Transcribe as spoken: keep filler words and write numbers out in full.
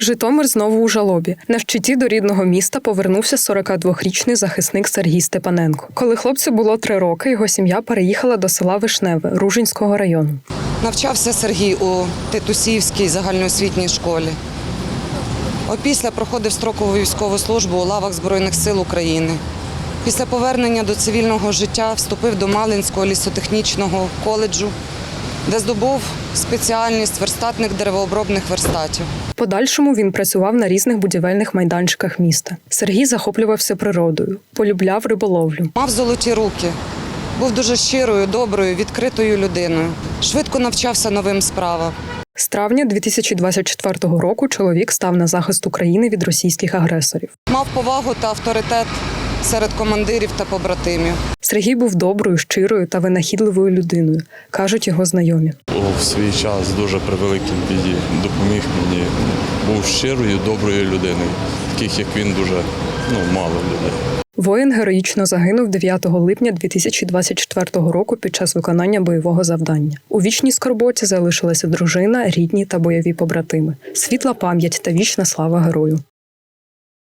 Житомир знову у жалобі. На щиті до рідного міста повернувся сорокадвохрічний захисник Сергій Степаненко. Коли хлопцю було три роки, його сім'я переїхала до села Вишневе Ружинського району. Навчався Сергій у Тетусівській загальноосвітній школі. Опісля проходив строкову військову службу у лавах Збройних сил України. Після повернення до цивільного життя вступив до Малинського лісотехнічного коледжу, де здобув спеціальність верстатник деревообробних верстатів. В подальшому він працював на різних будівельних майданчиках міста. Сергій захоплювався природою, полюбляв риболовлю. Мав золоті руки, був дуже щирою, доброю, відкритою людиною. Швидко навчався новим справам. З травня дві тисячі двадцять четвертого року чоловік став на захист України від російських агресорів. Мав повагу та авторитет серед командирів та побратимів. Сергій був доброю, щирою та винахідливою людиною, кажуть його знайомі. У свій час дуже при великій біді допоміг мені. Був щирою, доброю людиною. Таких, як він, дуже ну, мало людей. Воїн героїчно загинув дев'ятого липня дві тисячі двадцять четвертого року під час виконання бойового завдання. У вічній скорботі залишилася дружина, рідні та бойові побратими. Світла пам'ять та вічна слава герою.